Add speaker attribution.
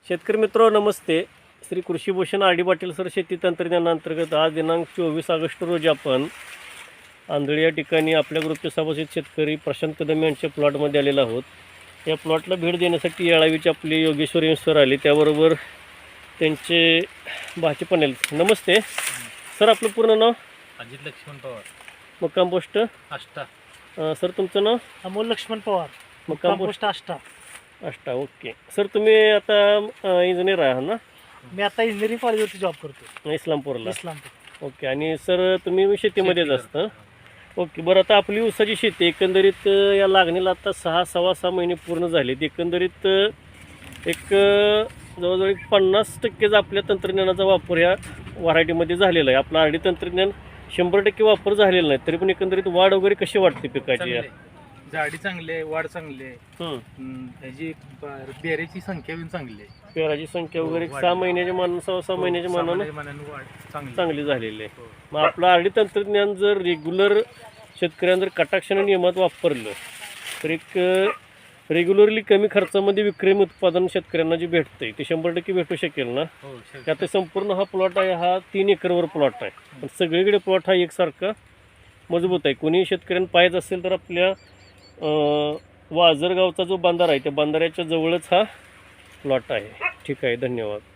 Speaker 1: शेतकरी मित्र नमस्ते. श्री कृषीभूषण आर डी पाटील सर शेती तंत्रज्ञानांतर्गत आज दिनांक 24 ऑगस्ट रोजी आपण आंधळी या ठिकाणी आपल्या ग्रुपचे सभासद शेतकरी प्रशांत कदम यांच्या प्लॉटमध्ये आलेलो आहोत. या प्लॉटला भेट देण्यासाठी येळावीचे आपले योगेश्वर सर आले, त्याबरोबर त्यांचे भाचे पण आले. नमस्ते सर, आपलं पूर्ण नाव?
Speaker 2: अजित लक्ष्मण पवार,
Speaker 1: मुक्काम पोस्ट
Speaker 2: आष्टा.
Speaker 1: सर तुमचं नाव?
Speaker 3: अमोल लक्ष्मण पवार,
Speaker 1: मुक्काम
Speaker 3: post Ashta.
Speaker 1: Ashta. Okay sir, तुम्ही आता इंजिनियर आहात ना?
Speaker 3: मी आता इंजिनिअरिंग कॉलेजवरती जॉब करतो,
Speaker 1: इस्लामपूरला.
Speaker 3: इस्लामपूर.
Speaker 1: ओके. आणि सर तुम्ही शेतीमध्येच असतं? ओके. बरं, आता आपली ऊसाची शेती एकंदरीत या लागणीला आता 6-6.5 महिने पूर्ण झालेत. एकंदरीत एक जवळजवळ 50% आपल्या तंत्रज्ञानाचा वापर ह्या व्हरायटीमध्ये झालेला आहे. आपलं आरडी तंत्रज्ञान 100% वापर झालेला नाही, तरी पण एकंदरीत वाढ वगैरे कशी वाटते पिकाची?
Speaker 2: झाडी चांगली आहे, वाढ चांगली आहे. त्याची बेऱ्याची संख्या पण चांगली आहे.
Speaker 1: पेराची संख्या वगैरे 6 महिन्याच्या मानानं 6 महिन्याच्या मानानं
Speaker 2: वाढ
Speaker 1: चांगली झालेली आहे. मग आपलं आरडी तंत्रज्ञान जर रेग्युलर शेतकऱ्यांना जर कटाक्षाने नियमात वापरलं तर एक रेग्युलरली कमी खर्चामध्ये विक्रमी उत्पादन शेतकऱ्यांना जे भेटतंय ते 100% भेटू शकेल ना? त्यात संपूर्ण हा प्लॉट आहे, हा 3 एकरवर प्लॉट आहे. पण सगळीकडे प्लॉट हा एकसारखा मजबूत आहे. कोणी शेतकऱ्यांना पाहायचं असेल तर आपल्या वाजरगावचा जो बांधारा आहे त्या बांधाऱ्याच्या जवळच हा प्लॉट आहे. ठीक आहे, धन्यवाद.